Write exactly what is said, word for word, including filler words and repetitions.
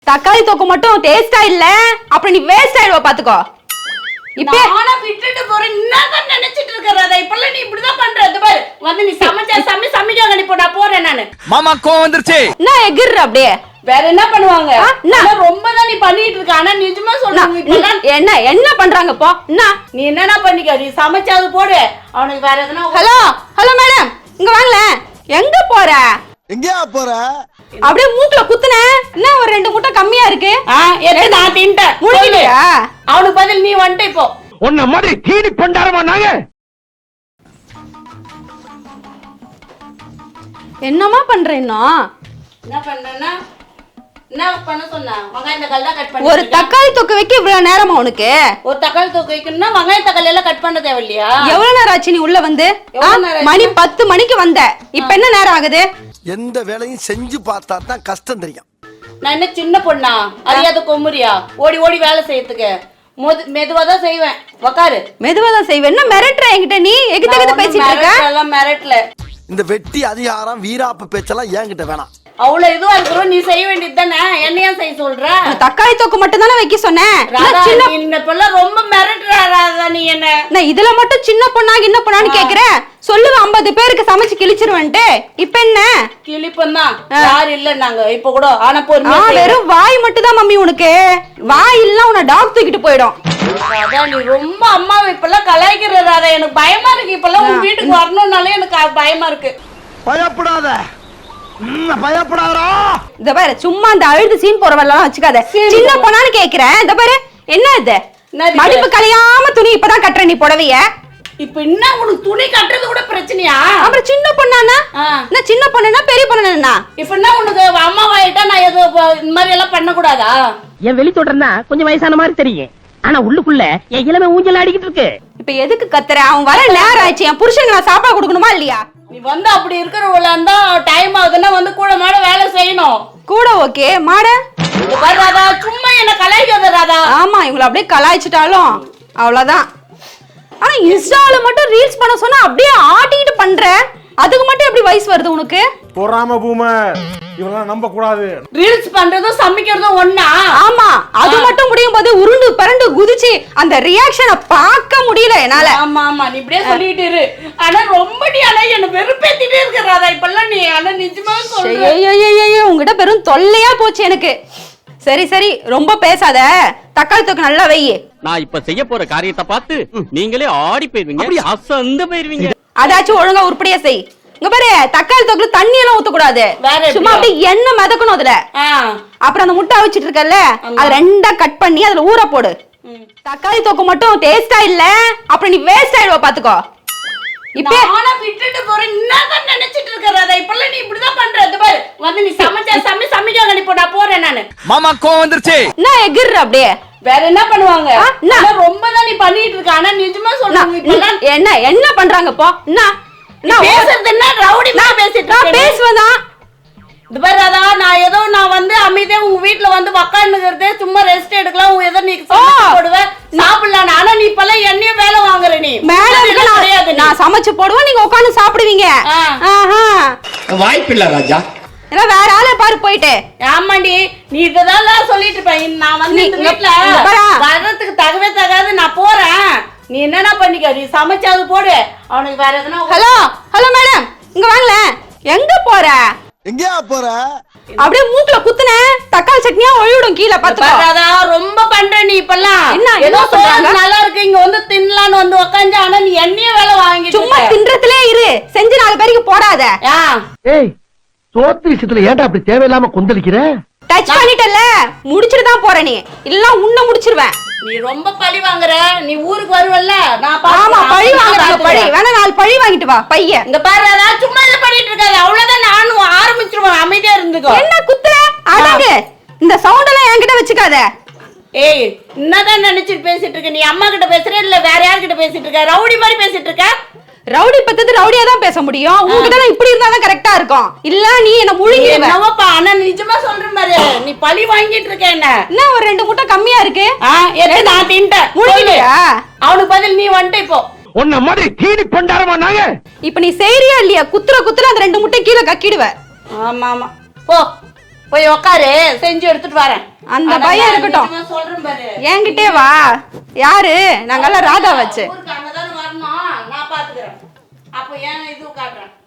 தக்காளி தொக்கு மட்டும் டேஸ்டா இல்ல அப்புறம் நீ வேஸ்ட் ஆயிடுவ பாத்துக்கோ. இப்ப நானா விட்டுட்டு போறேன் என்னதான் நினைச்சிட்டு இருக்கறத இப்பல நீ இப்படி தான் பண்றது பாரு. வந்து நீ சமைச்சா சமை சமைக்க கடி போடா போறேன் நானு. மாமா கோவம் வந்துருச்சு. நான் எகிற அப்படியே. வேற என்ன பண்ணுவாங்க? நான் ரொம்ப தான் நீ பண்ணிட்டு இருக்க. ஆனா நிஜமா சொல்றேன் இப்பல என்ன என்ன பண்றாங்க போ. என்ன நீ என்னடா பண்ணிக்க? நீ சமைச்சாது போடு. அவனுக்கு வேற எதனா. ஹலோ ஹலோ மேடம் இங்க வாங்கள. எங்க போற? எங்கயா போற? அப்படியே மூக்குல குத்துன. என்ன ஒரு ரெண்டு முட்டை கம்மியா இருக்கு? ஆ எது நான் தின்ட்டேன். முடியலையா? அவனுக்கு பதில் நீ வந்துட்ட இப்போ. உன்ன மாதிரி தீனி பண்டாரமா நாங்க. என்னமா பண்றேன்னா? என்ன பண்றேன்னா? என்ன பண்ண சொன்னா? வெங்காயம் தக்காளி தான் கட் பண்ணி. ஒரு தக்காளி தொக்கு வைக்க இவ்வளவு நேரமா உனக்கு? ஒரு தக்காளி தொக்கு வைக்கணும்னா வெங்காயம் தக்காளி எல்லாம் கட் பண்ண தேவையில்லையா? எவ்வளவு நேரம் ஆச்சு நீ உள்ள வந்து? மணி பத்து மணிக்கு வந்த. இப்ப என்ன நேரம் ஆகுது? எந்த வேலையும் செஞ்சு பார்த்தா தான் கஷ்டம் தெரியும். நான் என்ன சின்ன பொண்ணா? அறியாத கொம்முறியா? ஓடி ஓடி வேலை செய்யறதுக்கு மெதுவா தான் செய்வேன். உக்காரு. மெதுவா தான் செய்வேன். என்ன மிரட்டுற என்கிட்ட நீ? எகிட்ட எகிட்ட பேசிட்டு இருக்க? எல்லாம் மிரட்டல. இந்த வெட்டி அதிகாரம் வீராப்பு பேச்செல்லாம் என்கிட்ட வேணாம். அவ்வளவு இதுவா இருக்கிறோம் நீ செய்ய வேண்டியது தானே. என்னையா செய்ய சொல்ற? தக்காளி தொக்கு மட்டும் தானே வைக்க சொன்னேன். ரொம்ப மிரட்டுறா நீ என்ன. நான் இதுல மட்டும் சின்ன பொண்ணா என்ன பொண்ணான்னு கேக்குறேன். சொல்லுவ ஐம்பது பேருக்கு சமைச்சு கிழிச்சிருவேன்ட்டு. இப்ப என்ன கிழிப்பம் தான். யாரு இல்ல நாங்க இப்ப கூட. ஆனா பொறுமையா வெறும் வாய் மட்டும் தான் மம்மி உனக்கு. வாய் இல்ல உன்னை டாக் தூக்கிட்டு போயிடும். அதான் நீ ரொம்ப அம்மாவை இப்பெல்லாம் கலாய்க்கிறத எனக்கு பயமா இருக்கு. இப்பெல்லாம் உன் வீட்டுக்கு வரணும்னாலே எனக்கு பயமா இருக்கு. பயப்படாத பயப்படாதா. இந்த பாரு சும்மா அந்த அழுது சீன் போறவெல்லாம் வச்சுக்காத. சின்ன பொண்ணான்னு கேக்குறேன். இந்த பாரு என்ன இது? மடிப்பு கலையாம துணி இப்பதான் கட்டுற நீ புடவைய. இப்ப என்ன உனக்கு துணி கட்டுறது கூட பிரச்சனையா? அப்புறம் சின்ன பொண்ணானா? நான் சின்ன பொண்ணுனா பெரிய பொண்ணுனா? இப்ப என்ன உனக்கு அம்மாவாயிட்டா நான் எது இந்த மாதிரி எல்லாம் பண்ண கூடாதா? என் வெளி தொடர்னா கொஞ்சம் வயசான மாதிரி தெரியும். ஆனா உள்ளுக்குள்ள என் இளமை ஊஞ்சல் ஆடிக்கிட்டு இருக்கு. இப்ப எதுக்கு கத்துற? அவன் வர நேரம் ஆயிடுச்சு. என் புருஷனுக்கு நான் சாப்பாடு கொடுக்கணுமா இல்லையா? நீ வந்து அப்படி இருக்கிறவள இருந்தா டைம் ஆகுதுன்னா வந்து கூட மாட வேலை செய்யணும். கூட ஓகே மாட ராதா சும்மா என்ன கலாய்க்காத ராதா. ஆமா இவங்களை அப்படியே கலாய்ச்சிட்டாலும் அவ்வளவுதான். ஆனா இன்ஸ்டால மட்டும் ரீல்ஸ் பண்ண சொன்னா அப்படியே ஆட்டிக்கிட்டு பண்ற. அதுக்கு மட்டும் எப்படி வயசு வருது உனக்கு? பொறாம பூமர் இவெல்லாம் நம்ப கூடாது. ரீல்ஸ் பண்றதும் சமைக்கிறதும் ஒண்ணா? ஆமா அது மட்டும் முடியும் போது உருண்டு பரண்டு குதிச்சு அந்த ரியாக்ஷனை பார்க்க முடியல என்னால. ஆமா ஆமா நீ இப்படியே சொல்லிட்டு இரு. ஆனா ரொம்ப நீ ஆனா என்ன வெறுப்பேத்திட்டே இருக்க ராதா இப்பெல்லாம். நீ ஆனா நிஜமா சொல்ற. ஐயோ உங்ககிட்ட பெரும் தொல்லையா போச்சு எனக்கு. சரி சரி ரொம்ப பேசாத. தக்காளி தொக்கு நல்லா வை. நான் இப்ப செய்ய போற காரியத்தை பார்த்து நீங்களே ஆடி போயிருவீங்க. அசந்து போயிருவீங்க. அதாச்சும் ஒழுங்கா உருப்படியா செய். இங்க பாரு தக்காளி தொக்குல தண்ணி எல்லாம் ஊத்த கூடாது. சும்மா அப்படியே எண்ணெய் மிதக்கணும் அதுல. அப்புறம் அந்த முட்டை வச்சிட்டு இருக்கல அத ரெண்டா கட் பண்ணி அதுல ஊற போடு. தக்காளி தொக்கு மட்டும் டேஸ்டா இல்ல அப்புறம் நீ வேஸ்ட் ஆயிடுவ பாத்துக்கோ. இப்ப நானா விட்டுட்டு போறேன் என்னதான் நினைச்சிட்டு இருக்கறத இப்பல நீ இப்படி தான் பண்றது பாரு. வந்து நீ சமைச்சா சமை சமைக்க கடி போடா போறேன் நானு. மாமா கோவம் வந்துருச்சு. நான் எகிற அப்படியே. வேற என்ன பண்ணுவாங்க? நான் ரொம்ப தான் நீ பண்ணிட்டு இருக்க. ஆனா நிஜமா சொல்றேன் இப்பல என்ன என்ன பண்றாங்க போ. என்ன நான் பேசுறது என்ன ரவுடி மாதிரி பேசிட்டு இருக்க? நான் பேசுவதா? இது பாரு ராதா நான் ஏதோ நான் வந்து அமைதியா உங்க வீட்ல வந்து உட்கார்ந்துக்கிறதே சும்மா ரெஸ்ட் எடுக்கலாம். உன் ஏதோ நீ போடுவ சாப்பிடலாம். ஆனா நீ இப்பெல்லாம் என்னைய வேலை வாங்குற. நீ மேல நான் சமைச்சு போடுவேன் நீங்க உட்கார்ந்து சாப்பிடுவீங்க. வாய்ப்பில்ல ராஜா. இல்ல வேற ஆளை பாரு போயிட்டு. ஆமாண்டி நீ இதெல்லாம் சொல்லிட்டு இருப்ப. நான் வந்து இந்த வீட்ல வர்றதுக்கு தகவே தகாது. நான் போறேன். நீ என்னன்னா பண்ணிக்க. நீ சமைச்சாது போடு. அவனுக்கு வேற எதுனா. ஹலோ ஹலோ மேடம் இங்க வாங்கள. எங்க போற? எங்கயா போற? அப்படியே மூக்குல குத்துன. தக்காளி சட்னியா ஒழிடும் கீழ பாத்துக்கோ. ரொம்ப பண்ற நீ இப்பெல்லாம். என்ன ஏதோ சொல்றாங்க நல்லா இருக்கு இங்க வந்து தின்னலான்னு வந்து உட்கார்ந்து. ஆனா நீ என்னைய வேலை வாங்கிட்டு சும்மா தின்றதுலே இரு. செஞ்சு நாலு பேருக்கு போடாத. ஏய் சோத்து விஷயத்துல ஏன்டா அப்படி தேவையில்லாம கொந்தளிக்கிற? டச் பண்ணிட்டல முடிச்சிட்டு தான் போற. நீ இல்ல உன்ன முடிச்சிருவேன். நீ ரொம்ப பழி வாங்குற. நீ ஊருக்கு வருவல்ல நான் ஆமா பழி வாங்குறாங்க. பழி வேணா நாலு பழி வாங்கிட்டு வா பைய. இங்க பாரு அதான் சும்மா இத பண்ணிட்டு இருக்காத. அவ்வளவுதான் நானும் ஆரம்பிச்சிருவேன். அமைதியா இருந்துக்கோ. என்ன குத்துற? அடங்கு. இந்த சவுண்ட் எல்லாம் என்கிட்ட வச்சுக்காத. ஏய் என்னதான் நினைச்சிட்டு பேசிட்டு இருக்க? நீ அம்மா கிட்ட பேசுற இல்ல வேற யார் கிட்ட பேசிட்டு இருக்க? ரவுடி மாதிரி பேசிட்டு இருக்க. ரவுடி பத்தது ரவுடியா தான் பேச முடியும். உன்கிட்ட இப்படி இருந்தா தான் கரெக்டா இருக்கும். இல்ல நீ என்ன முழுங்கிடுவ. என்னப்பா ஆனா நிஜமா சொல்றேன் பாரு. நீ பழி வாங்கிட்டு இருக்க என்ன. என்ன ஒரு ரெண்டு முட்டை கம்மியா இருக்கு? ஆ எது நான் தின்ட்டேன். முழுங்கிடுயா? அவனுக்கு பதில் நீ வந்துட்ட இப்போ. உன்ன மாதிரி தீனி பண்டாரமா நாங்க. இப்ப நீ செய்றியா இல்லையா? குத்துற குத்துற அந்த ரெண்டு முட்டை கீழே கக்கிடுவ. ஆமா ஆமா போ போய் உட்காரு. செஞ்சு எடுத்துட்டு வரேன். அந்த பையன் இருக்கட்டும். நிஜமா சொல்றேன் பாரு. என்கிட்டே வா. யாரு? நாங்கெல்லாம் ராதா வச்சு. ஊருக்கு அங்கதானே வரணும். நான் பாத்துக்கிறேன். அப்போ ஏன் இது காட்டுறேன்.